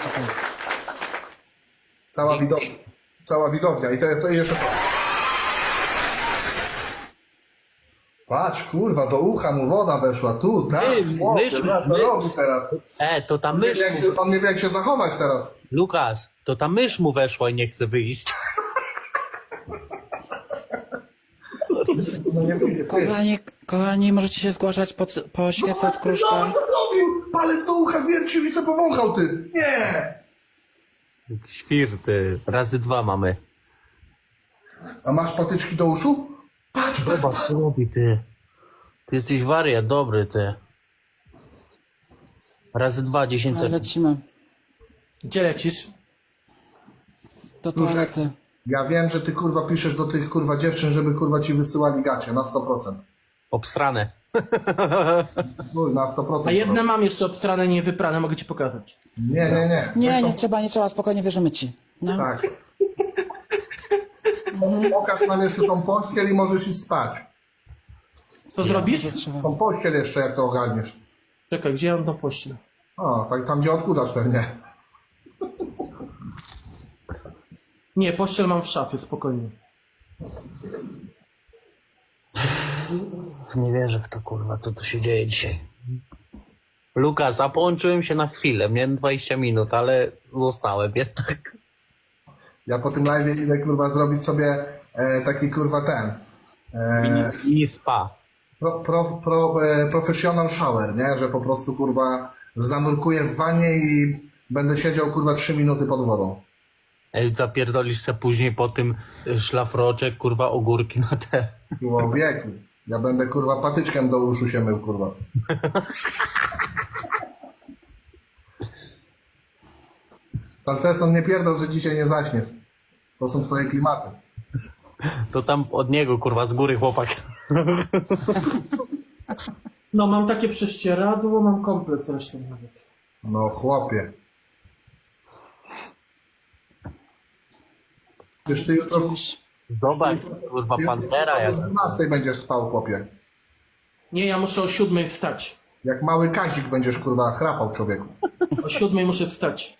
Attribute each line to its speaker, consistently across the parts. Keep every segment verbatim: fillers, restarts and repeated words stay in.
Speaker 1: Czekaj.
Speaker 2: Cała widownia. Cała widownia. I to, to jeszcze... Patrz, kurwa, do ucha mu woda weszła. Tu, tak.
Speaker 3: My-
Speaker 2: Chłopie,
Speaker 3: myśmy-
Speaker 2: zobacz, co
Speaker 3: my-
Speaker 2: robi teraz.
Speaker 3: E, to ta
Speaker 2: On nie,
Speaker 3: mysz,
Speaker 2: wie, jak się, on nie wie, jak się zachować teraz.
Speaker 3: Lukas, to ta mysz mu weszła i nie chce wyjść.
Speaker 2: No nie wyjdzie. Ty.
Speaker 1: Kochani, kochani, możecie się zgłaszać po, po świece od
Speaker 2: No,
Speaker 1: kruszka.
Speaker 2: co zrobił? Palec do ucha wiercił i se powąchał, ty. Nie.
Speaker 3: Świr, ty. Razy dwa mamy.
Speaker 2: A masz patyczki do uszu? Patrz, patrz,
Speaker 3: Zobacz, co robi, ty. Ty jesteś wariat, dobry, ty. Razy dwa, dziesięć
Speaker 1: Ale
Speaker 3: sekund.
Speaker 1: lecimy.
Speaker 4: Gdzie lecisz?
Speaker 1: Do toalety.
Speaker 2: Ja wiem, że ty kurwa piszesz do tych kurwa dziewczyn, żeby kurwa ci wysyłali gacie na sto procent.
Speaker 3: Obstrane.
Speaker 2: Uj, na sto procent.
Speaker 4: A jedne mam jeszcze obstrane, niewyprane, mogę ci pokazać.
Speaker 2: Nie, nie, nie.
Speaker 1: Nie,
Speaker 2: Zresztą-
Speaker 1: nie trzeba, nie trzeba, spokojnie wierzymy ci. No.
Speaker 2: Tak. Pokaż nam jeszcze tą pościel i możesz iść spać.
Speaker 4: Co zrobisz?
Speaker 1: Trzeba.
Speaker 2: Tą pościel jeszcze, jak to ogarniesz.
Speaker 4: Czekaj, gdzie ja mam tą pościel?
Speaker 2: O, tak tam gdzie odkurzacz pewnie.
Speaker 4: Nie, pościel mam w szafie, spokojnie.
Speaker 3: Nie wierzę w to, kurwa, co tu się dzieje dzisiaj. Lukas, a połączyłem się na chwilę. Miałem dwadzieścia minut, ale zostałem jednak.
Speaker 2: Ja po tym live idę kurwa zrobić sobie e, taki kurwa ten. E,
Speaker 3: Mini spa.
Speaker 2: pro, pro, pro, e, professional shower, nie? Że po prostu kurwa zanurkuję w wanie i będę siedział kurwa trzy minuty pod wodą.
Speaker 3: Ej, zapierdolisz se później po tym y, szlafroczek, kurwa, ogórki na te.
Speaker 2: Było wieku. Ja będę kurwa patyczkiem do uszu się mył kurwa. Salceson, nie pierdol, że dzisiaj nie zaśniesz. To są twoje klimaty.
Speaker 3: To tam od niego, kurwa, z góry chłopak.
Speaker 4: No, mam takie prześcieradło, mam komplet zresztą nawet.
Speaker 2: No chłopie. Przecież ty jutro,
Speaker 1: Gdzieś.
Speaker 3: Zobacz, kurwa, pantera jak...
Speaker 2: o dwunastej będziesz spał, chłopie.
Speaker 4: Nie, ja muszę o siódmej wstać.
Speaker 2: Jak mały Kazik będziesz kurwa chrapał, człowieku.
Speaker 4: O siódmej muszę wstać.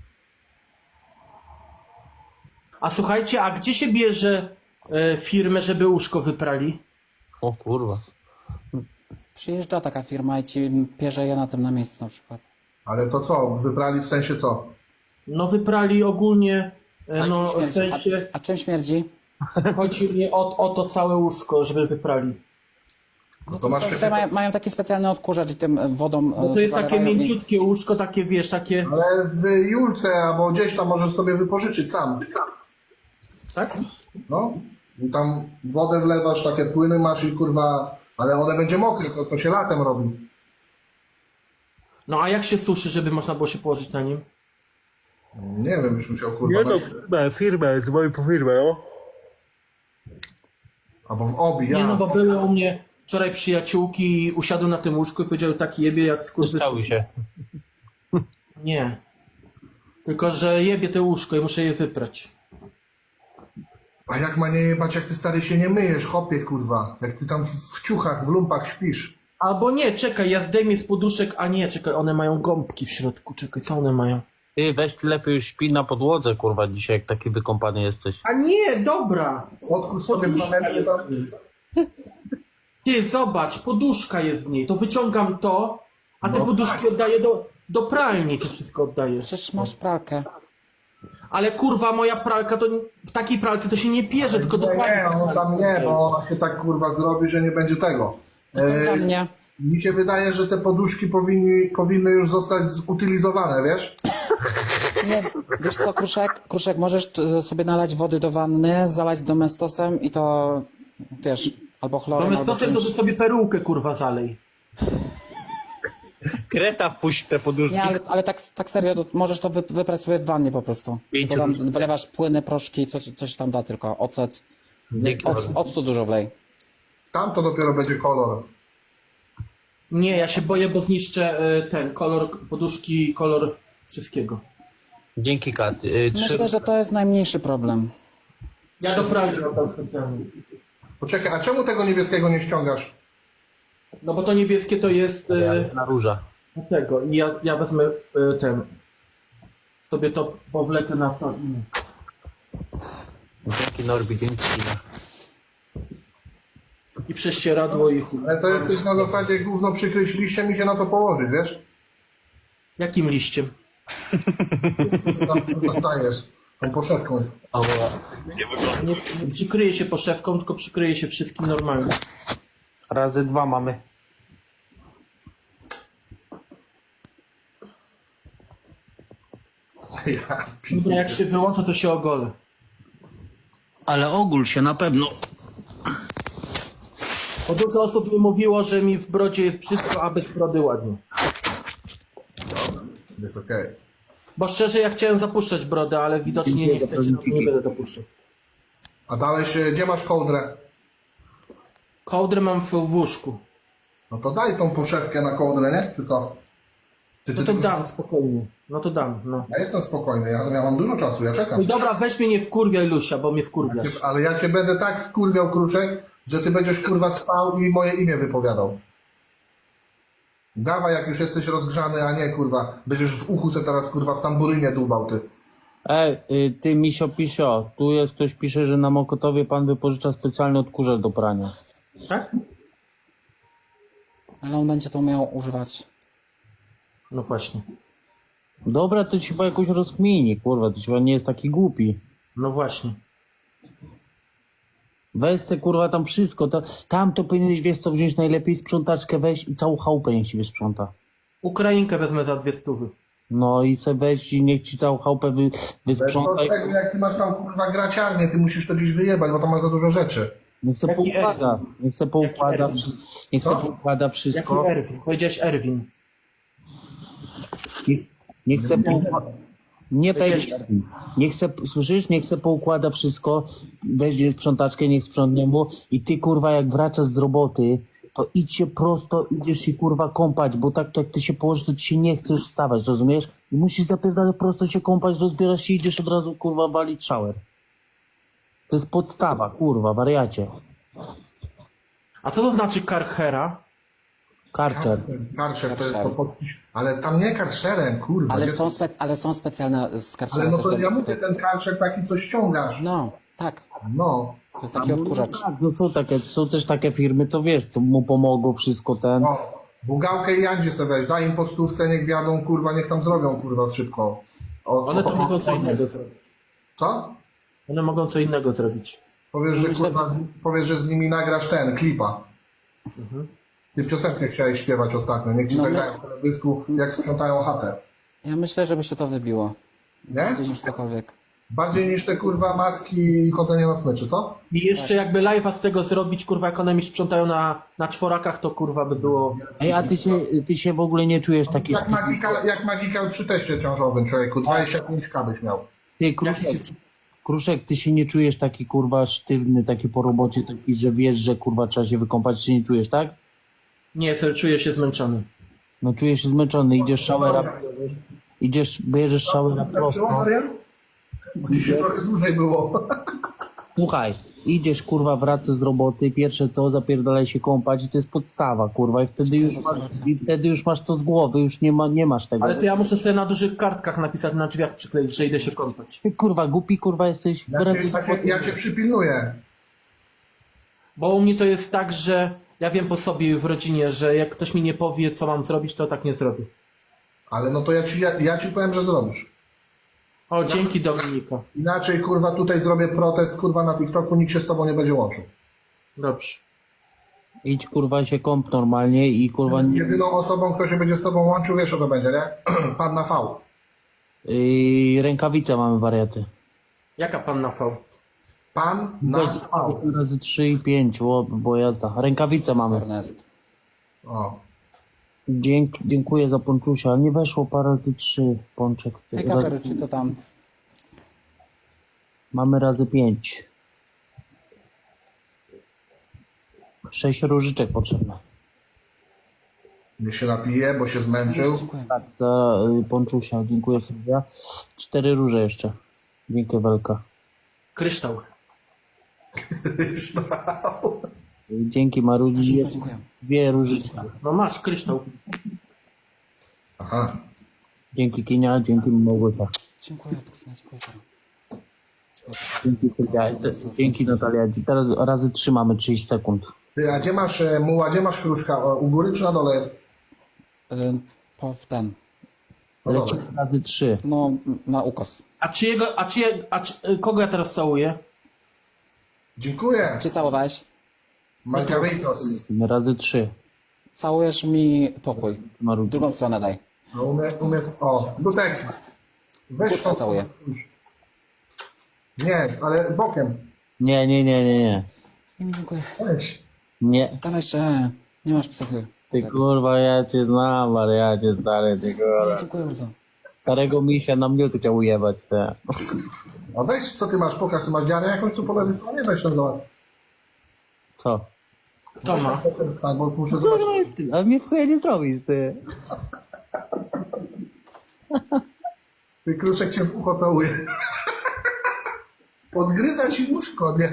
Speaker 4: A słuchajcie, a gdzie się bierze e, firmę, żeby łóżko wyprali?
Speaker 3: O kurwa.
Speaker 1: Przyjeżdża taka firma i ci pierze je na tym na miejscu na przykład.
Speaker 2: Ale to co? Wybrali w sensie co?
Speaker 4: No wyprali ogólnie, e, no w
Speaker 1: Śmierdzi.
Speaker 4: sensie,
Speaker 1: A, a czym śmierdzi?
Speaker 4: chodzi mi o, o to całe łóżko, żeby wyprali.
Speaker 2: No to masz
Speaker 1: Że mają, mają taki specjalny odkurzacz i tym wodą.
Speaker 4: No to jest takie
Speaker 1: zalewają i-
Speaker 4: mięciutkie łóżko, takie wiesz, takie...
Speaker 2: Ale w Julce albo gdzieś tam możesz sobie wypożyczyć sam.
Speaker 4: Tak?
Speaker 2: No. I tam wodę wlewasz, takie płyny masz i kurwa... Ale one będzie mokre, to, to się latem robi.
Speaker 4: No a jak się suszy, żeby można było się położyć na nim?
Speaker 2: Nie wiem, byś musiał kurwa...
Speaker 3: Nie no,
Speaker 2: na-
Speaker 3: firmę, firmę, dzwonię po firmę, no.
Speaker 2: Albo w obi, ja.
Speaker 4: Nie no, bo były u mnie wczoraj przyjaciółki i usiadły na tym łóżku i powiedziały tak jebie jak skurwy...
Speaker 3: Cały się.
Speaker 4: Nie. Tylko, że jebie te łóżko i muszę je wyprać.
Speaker 2: A jak ma nie jebać, jak ty stary się nie myjesz, chopie kurwa. Jak ty tam w, w ciuchach, w lumpach śpisz.
Speaker 4: Albo nie, czekaj, ja zdejmę z poduszek, a nie, czekaj, one mają gąbki w środku, czekaj, co one mają?
Speaker 3: Ty weź ty lepiej już śpi na podłodze, kurwa, dzisiaj, jak taki wykąpany jesteś.
Speaker 4: A nie, dobra.
Speaker 2: Odkuł sobie dwa
Speaker 4: Poduszka
Speaker 2: metry
Speaker 4: jest
Speaker 2: tam.
Speaker 4: w niej. Ty, zobacz, poduszka jest w niej, to wyciągam to, a te
Speaker 2: No
Speaker 4: poduszki oddaję do, do pralni, to wszystko oddaję.
Speaker 1: Przecież masz pralkę.
Speaker 4: Ale kurwa, moja pralka to w takiej pralce to się nie pierze, tylko
Speaker 2: Nie,
Speaker 4: dokładnie.
Speaker 2: nie, no tam nie, bo ona się tak kurwa zrobi, że nie będzie tego.
Speaker 1: Dla
Speaker 2: E,
Speaker 1: mnie.
Speaker 2: mi się wydaje, że te poduszki powinni, powinny już zostać zutylizowane, wiesz?
Speaker 1: Nie, wiesz co, Kruszek? Kruszek, możesz t- sobie nalać wody do wanny, zalać domestosem i to, wiesz, albo chlorem,
Speaker 4: Zamiast
Speaker 1: albo
Speaker 4: to to
Speaker 1: czymś.
Speaker 4: sobie perukę kurwa zalej.
Speaker 3: Kreta wpuść te poduszki.
Speaker 1: Nie, ale, ale tak, tak serio, to możesz to wy, wyprać sobie w wannie po prostu.
Speaker 3: Pięciu
Speaker 1: To tam
Speaker 3: różnych.
Speaker 1: wylewasz płyny, proszki, coś, coś tam da tylko, ocet.
Speaker 3: Dzięki.
Speaker 1: Oc, octu dużo wlej.
Speaker 2: Tam to dopiero będzie kolor.
Speaker 4: Nie, ja się boję, bo zniszczę y, ten kolor poduszki, kolor wszystkiego.
Speaker 3: Dzięki, Kat. Y, trzy...
Speaker 1: Myślę, że to jest najmniejszy problem.
Speaker 4: Ja do pralki oddam specjalnie.
Speaker 2: Poczekaj, a czemu tego niebieskiego nie ściągasz?
Speaker 4: No bo to niebieskie to jest y,
Speaker 3: Na róża.
Speaker 4: tego i ja, ja wezmę y, ten. sobie to powlekę na to.
Speaker 3: Dzięki Norbi, dzięki.
Speaker 4: I prześcieradło i chuj.
Speaker 2: Ale to jesteś na zasadzie gówno przykryć liściem i się na to położyć, wiesz?
Speaker 4: Jakim liściem?
Speaker 2: Tam kurwa dajesz tą poszewką.
Speaker 4: Nie, nie przykryje się poszewką, tylko przykryje się wszystkim normalnie.
Speaker 3: Razy dwa mamy.
Speaker 2: Ja
Speaker 4: Dobra, jak się wyłączę, to się ogolę.
Speaker 3: Ale ogól się na pewno.
Speaker 4: Bo dużo osób mi mówiło, że mi w brodzie jest brzydko, a bez brody ładnie.
Speaker 2: Jest okej.
Speaker 4: Bo szczerze, ja chciałem zapuszczać brodę, ale widocznie nie chcecie, no to nie będę dopuszczał.
Speaker 2: A dalej się, gdzie masz kołdrę?
Speaker 4: Kołdrę mam w, w łóżku.
Speaker 2: No to daj tą poszewkę na kołdrę, nie? Tylko. Ty,
Speaker 4: No to dam, spokojnie. No to dam, no.
Speaker 2: Ja jestem spokojny, ja, ja mam dużo czasu, ja
Speaker 4: No
Speaker 2: czekam.
Speaker 4: i dobra, weź mnie nie wkurwiaj, Lusia, bo mnie wkurwiasz.
Speaker 2: Ale ja cię będę tak wkurwiał, Kruszek, że ty będziesz kurwa spał i moje imię wypowiadał. Dawaj, jak już jesteś rozgrzany, a nie kurwa, będziesz w uchu se teraz kurwa w tamburynie dłubał ty.
Speaker 3: Ej, y, ty misio pisio, tu jest ktoś pisze, że na Mokotowie pan wypożycza specjalny odkurzacz do prania.
Speaker 4: Tak?
Speaker 1: Ale on będzie to umiał używać.
Speaker 4: No właśnie.
Speaker 3: Dobra, to ci chyba jakoś rozkmini, kurwa, to ci chyba nie jest taki głupi.
Speaker 4: No właśnie.
Speaker 3: Weź se, kurwa, tam wszystko, to, tam to powinieneś, wiesz co, wziąć najlepiej sprzątaczkę, weź i całą chałupę niech ci wysprząta.
Speaker 4: Ukrainkę wezmę za dwie stówy.
Speaker 3: No i se weź i niech ci całą chałupę wy,
Speaker 2: To
Speaker 3: wysprząta
Speaker 2: z
Speaker 3: i
Speaker 2: tego, jak ty masz tam kurwa graciarnię, ty musisz to gdzieś wyjebać, bo tam masz za dużo rzeczy.
Speaker 3: niech se
Speaker 4: Jaki
Speaker 3: poukłada, niech se poukłada,
Speaker 4: Erwin?
Speaker 3: wszy- niech se
Speaker 2: Co?
Speaker 3: poukłada
Speaker 4: Jaki
Speaker 3: wszystko,
Speaker 4: Erwin? Powiedziałeś Erwin.
Speaker 3: niech, niech se poukłada. Nie
Speaker 4: Powiedziałeś
Speaker 3: pewnie. Niech se, słyszysz? Niech se poukłada wszystko, weźmie sprzątaczkę, niech sprzątnie mu i ty kurwa jak wracasz z roboty, to idź się prosto, idziesz się kurwa kąpać, bo tak to jak ty się położysz, to ci się nie chcesz wstawać, rozumiesz? I musisz zapierdalać prosto się kąpać, rozbierasz się i idziesz od razu kurwa walić shower. To jest podstawa, kurwa, wariacie.
Speaker 4: A co to znaczy karchera?
Speaker 3: Karczer.
Speaker 2: Karczer to jest to
Speaker 1: Karczer.
Speaker 2: pod... Ale tam nie karczerem, kurwa.
Speaker 1: Ale
Speaker 2: gdzie-
Speaker 1: są, spe, ale są specjalne skarczenia.
Speaker 2: ale no
Speaker 1: też
Speaker 2: to
Speaker 1: do-
Speaker 2: ja mówię, ten karczer taki, co ściągasz.
Speaker 1: No, tak.
Speaker 2: No.
Speaker 1: To jest taki odkurzacz.
Speaker 3: Tak, no są takie, są też takie firmy, co wiesz, co mu pomogą, wszystko ten.
Speaker 2: No. Bugałkę i Jandzie se weź, daj im po stówce, niech wjadą, kurwa, niech tam zrobią, kurwa, szybko. O,
Speaker 4: One to
Speaker 2: o-
Speaker 4: mogą co innego zrobić.
Speaker 2: Co?
Speaker 4: One mogą co innego zrobić.
Speaker 2: Powiesz, że,
Speaker 1: Myślę-
Speaker 2: kurwa, powiesz, że z nimi nagrasz ten, klipa. Ty piosenkę chciałeś śpiewać ostatnio, niech ci
Speaker 1: No,
Speaker 2: zagrają w teledysku, jak sprzątają chatę.
Speaker 1: Ja myślę, żeby się to wybiło.
Speaker 2: Nie?
Speaker 1: Bardziej niż cokolwiek.
Speaker 2: Bardziej niż te, kurwa, maski i chodzenie na smyczy, co?
Speaker 4: I jeszcze jakby live'a z tego zrobić, kurwa, jak one mi sprzątają na, na czworakach, to kurwa by było...
Speaker 3: Ej, a ty się, ty się w ogóle nie czujesz taki
Speaker 2: Jak magikal, jak magikal przy teście ciążowym, człowieku, dwadzieścia pięć ka byś miał.
Speaker 3: Ty, Kruszek, Kruszek, ty się nie czujesz taki kurwa sztywny, taki po robocie, taki, że wiesz, że kurwa trzeba się wykąpać, się nie czujesz, tak?
Speaker 4: Nie, ser, czuję się zmęczony.
Speaker 3: No czujesz się zmęczony, idziesz showera, idziesz, bierzesz showera prosto.
Speaker 2: Marian? Bo dzisiaj trochę dłużej było.
Speaker 3: Słuchaj, idziesz kurwa, wracasz z roboty, pierwsze co, zapierdalaj się kąpać i to jest podstawa, kurwa, i wtedy już masz, i wtedy już masz to z głowy, już nie ma, nie masz tego.
Speaker 4: Ale to ja muszę sobie na dużych kartkach napisać, na drzwiach przykleić, że idę się kąpać.
Speaker 3: Ty kurwa, głupi kurwa jesteś.
Speaker 2: Ja cię, ja cię, ja cię przypilnuję.
Speaker 4: Bo u mnie to jest tak, że ja wiem po sobie w rodzinie, że jak ktoś mi nie powie, co mam zrobić, to tak nie zrobię.
Speaker 2: Ale no to ja ci, ja, ja ci powiem, że zrobisz.
Speaker 4: O, dzięki Dominika.
Speaker 2: Inaczej, kurwa, tutaj zrobię protest, kurwa, na TikToku, nikt się z tobą nie będzie łączył.
Speaker 4: Dobrze.
Speaker 3: Idź kurwa się kąp normalnie i kurwa nie...
Speaker 2: Jedyną osobą, kto się będzie z tobą łączył, wiesz, co to będzie, nie? Pan na V.
Speaker 3: Yy, rękawice mamy wariaty.
Speaker 4: Jaka panna V?
Speaker 2: Pan na
Speaker 3: Weź
Speaker 2: V.
Speaker 3: razy trzy i pięć, bo, bo jazda. Rękawice mamy.
Speaker 1: Ernest.
Speaker 2: O.
Speaker 3: Dzięki, dziękuję za ponczusia. Nie weszło parę razy trzy pączek.
Speaker 1: Hej,
Speaker 3: Za-
Speaker 1: kapery, czy co tam?
Speaker 3: Mamy razy pięć. Sześć różyczek potrzebne.
Speaker 2: Niech się napije, bo się zmęczył.
Speaker 1: Dziękuję.
Speaker 3: Tak, za y, ponczusia. Dziękuję Sylwia. Cztery róże jeszcze. Dziękuję Welka.
Speaker 4: Kryształ.
Speaker 3: Y, Dzięki Marudzi.
Speaker 1: Dziękuję, dziękuję.
Speaker 3: Dwie różyczki.
Speaker 4: No masz, kryształ.
Speaker 2: Aha.
Speaker 3: Dzięki Kinia, dzięki Małgosia.
Speaker 1: Dziękuję, Tuksyna, dziękuję za.
Speaker 3: Dzięki, Sylwia. Dzięki Natalia. Teraz razy trzy mamy trzydzieści sekund.
Speaker 2: Ty, a gdzie masz e, muła, gdzie masz kruszka? O, u góry czy na dole jest?
Speaker 1: Y, po w ten.
Speaker 2: No
Speaker 3: Lecimy
Speaker 2: dobra.
Speaker 3: razy trzy.
Speaker 1: No, na ukos.
Speaker 4: A czyjego, a czyje, a czy, kogo ja teraz całuję?
Speaker 2: Dziękuję.
Speaker 1: Gdzie całowałeś?
Speaker 2: Margaritos.
Speaker 3: Lecimy razy trzy.
Speaker 1: Całujesz mi pokój. W
Speaker 3: Marudziu.
Speaker 1: drugą stronę daj.
Speaker 2: No umie, umie, o, Dutek. Weź
Speaker 1: Kurka
Speaker 2: to.
Speaker 1: całuję.
Speaker 2: Nie, ale bokiem.
Speaker 3: Nie, nie, nie, nie, nie.
Speaker 1: I mi dziękuję.
Speaker 2: Weź.
Speaker 3: Nie.
Speaker 1: Dawaj jeszcze. Nie masz psychy.
Speaker 3: Ty kurwa, ja cię znam, ale ja cię stary, ty kurwa.
Speaker 1: Dziękuję bardzo.
Speaker 3: Starego misia na mnie chciał ujebać, te.
Speaker 2: A weź, co ty masz, pokaż, ty masz dziarę jakąś tu po lewej stronie, weź ją zobacz.
Speaker 3: Co?
Speaker 4: Kto ma?
Speaker 2: Tak, bo muszę zobaczyć.
Speaker 3: Kurwa, ty, a mnie w chuja nie zrobisz, ty.
Speaker 2: Ty kruszek cię w ucho całuje. Podgryza ci łóżko, nie?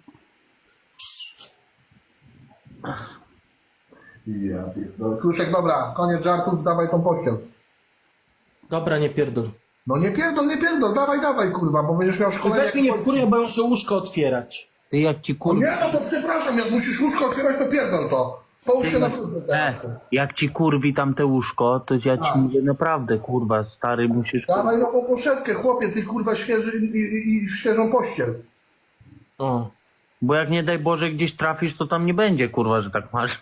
Speaker 2: Ja pierdolę. Kruszek, dobra, koniec żartów, dawaj tą pościel.
Speaker 4: Dobra, nie pierdol.
Speaker 2: No nie pierdol, nie pierdol, dawaj, dawaj, kurwa, bo będziesz miał
Speaker 4: Ty
Speaker 2: szkolenie.
Speaker 4: weź mnie nie wkurwia, bo ja muszę łóżko otwierać.
Speaker 3: Ty jak ci
Speaker 2: No
Speaker 3: kurwa...
Speaker 2: nie, no to przepraszam, jak musisz łóżko otwierać, to pierdol to. Połóż się na bluzę
Speaker 3: E,
Speaker 2: teraz.
Speaker 3: jak ci kurwi tam te łóżko, to ja ci
Speaker 2: A.
Speaker 3: mówię naprawdę, kurwa, stary, musisz...
Speaker 2: Dawaj nową poszewkę, chłopie, ty kurwa świeży i, i, i świeżą pościel.
Speaker 4: O.
Speaker 3: Bo jak nie daj Boże gdzieś trafisz, to tam nie będzie, kurwa, że tak masz.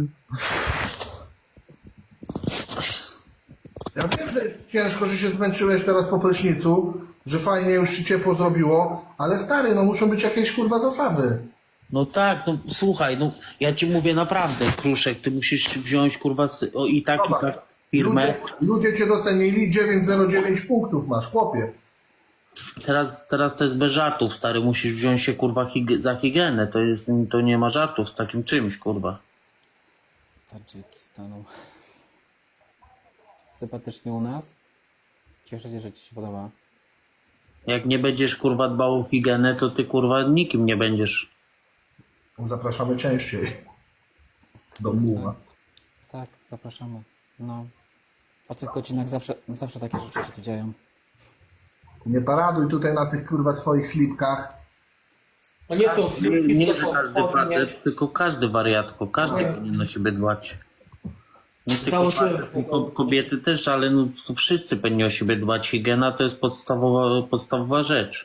Speaker 2: Ja wiem, że jest ciężko, że się zmęczyłeś teraz po prysznicu, że fajnie już ci ciepło zrobiło, ale stary, no muszą być jakieś kurwa zasady.
Speaker 3: No tak, no słuchaj, no ja ci mówię naprawdę, Kruszek, ty musisz wziąć, kurwa, sy- o, i tak, i
Speaker 2: Zobacz,
Speaker 3: tak firmę.
Speaker 2: Ludzie, ludzie cię docenili, dziewięć zero dziewięć punktów masz, chłopie.
Speaker 3: Teraz, teraz to jest bez żartów, stary, musisz wziąć się, kurwa, hig- za higienę, to jest, to nie ma żartów z takim czymś, kurwa.
Speaker 1: Tadżykistanu. Sympatycznie u nas. Cieszę się, że ci się podoba.
Speaker 3: Jak nie będziesz, kurwa, dbał o higienę, to ty, kurwa, nikim nie będziesz.
Speaker 2: Zapraszamy częściej. Do muła.
Speaker 1: Tak, zapraszamy. No. O tych godzinach zawsze, zawsze takie rzeczy się tu dzieją.
Speaker 2: Nie paraduj tutaj na tych kurwa twoich slipkach.
Speaker 4: No nie są
Speaker 3: Nie,
Speaker 4: slipki,
Speaker 3: nie
Speaker 4: tylko
Speaker 3: że
Speaker 4: są
Speaker 3: każdy
Speaker 4: spodnie.
Speaker 3: facet, tylko każdy wariatko, każdy
Speaker 4: Nie.
Speaker 3: powinien o siebie dbać. Nie tylko
Speaker 4: Założyłem
Speaker 3: facet,
Speaker 4: tego.
Speaker 3: tylko kobiety też, ale no, to wszyscy powinni o siebie dbać. Higiena to jest podstawowa, podstawowa rzecz.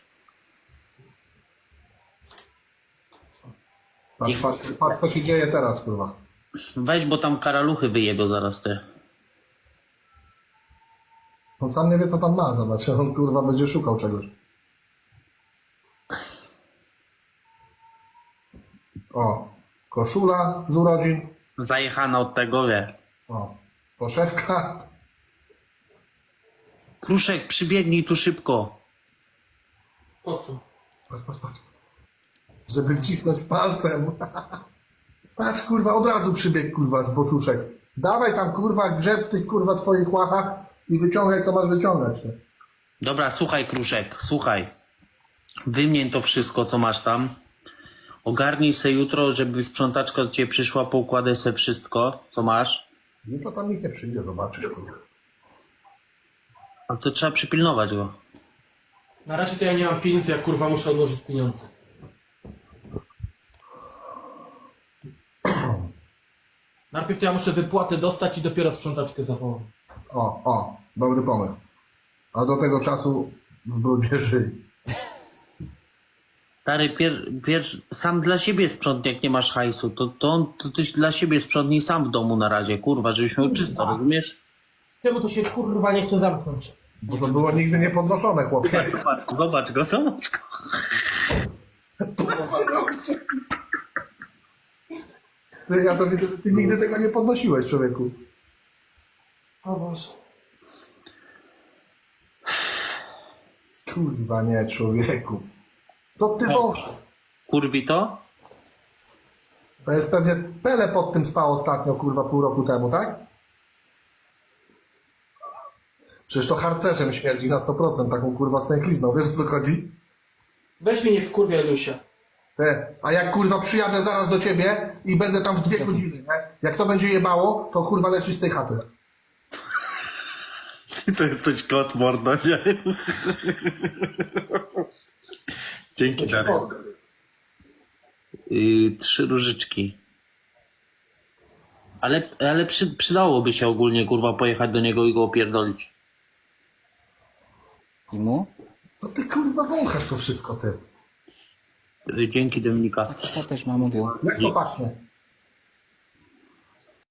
Speaker 2: Patrz, patrz, patrz co się dzieje teraz, kurwa.
Speaker 3: Weź, bo tam karaluchy wyjebią zaraz te.
Speaker 2: On sam nie wie co tam ma, zobacz, on kurwa będzie szukał czegoś. O, koszula z urodzin.
Speaker 3: Zajechana od tego, wie.
Speaker 2: O, poszewka.
Speaker 3: Kruszek, przybiegnij tu szybko.
Speaker 4: Po co?
Speaker 2: Patrz, patrz, patrz. Żeby cisnąć palcem. Patrz, kurwa, od razu przybiegł, kurwa, z boczuszek. Dawaj tam, kurwa, grzeb w tych, kurwa, twoich łachach i wyciągaj, co masz wyciągać. Nie?
Speaker 3: Dobra, słuchaj, Kruszek, słuchaj. Wymień to wszystko, co masz tam. Ogarnij se jutro, żeby sprzątaczka do ciebie przyszła, poukładaj se wszystko, co masz.
Speaker 2: Jutro tam nikt nie przyjdzie, zobaczysz, kurwa.
Speaker 3: A to trzeba przypilnować go.
Speaker 4: Na razie to ja nie mam pieniędzy, jak kurwa muszę odłożyć pieniądze. Najpierw to ja muszę wypłatę dostać i dopiero sprzątaczkę zawołam.
Speaker 2: O, o, dobry pomysł. A do tego czasu w brudzie żyj.
Speaker 3: Stary, pier, pier, sam dla siebie sprzątnij, jak nie masz hajsu. To, to, on, to tyś dla siebie sprzątnij sam w domu na razie, kurwa, żebyś miał czysto, rozumiesz?
Speaker 4: Czemu to się kurwa nie chce zamknąć?
Speaker 2: Bo to było nigdy nie podnoszone, chłopie.
Speaker 3: Zobacz, zobacz go, zobacz go.
Speaker 2: Ty, ja to widzę, że ty nigdy tego nie podnosiłeś, człowieku.
Speaker 4: O Boże.
Speaker 2: Kurwa nie, człowieku. To ty wąż.
Speaker 3: Kurwi to?
Speaker 2: To jest pewnie Pele pod tym spał ostatnio, kurwa, pół roku temu, tak? Przecież to harcerzem śmierdzi na sto procent, taką kurwa stęklizną. Wiesz, o co chodzi?
Speaker 4: Weź mnie nie wkurwia, Lusia.
Speaker 2: Te, a jak kurwa przyjadę zaraz do ciebie i będę tam w dwie godziny, nie? Jak to będzie jebało, to kurwa leci z tej chaty.
Speaker 5: Ty to jesteś kot, mordo, nie? Dzięki, Darek. Yy, trzy różyczki. Ale, ale przy, przydałoby się ogólnie, kurwa, pojechać do niego i go opierdolić.
Speaker 1: I mu?
Speaker 2: No ty kurwa wąchasz to wszystko, ty.
Speaker 5: Yy, dzięki, Dominika.
Speaker 1: To też ma mówił.
Speaker 2: Jak to pachnie?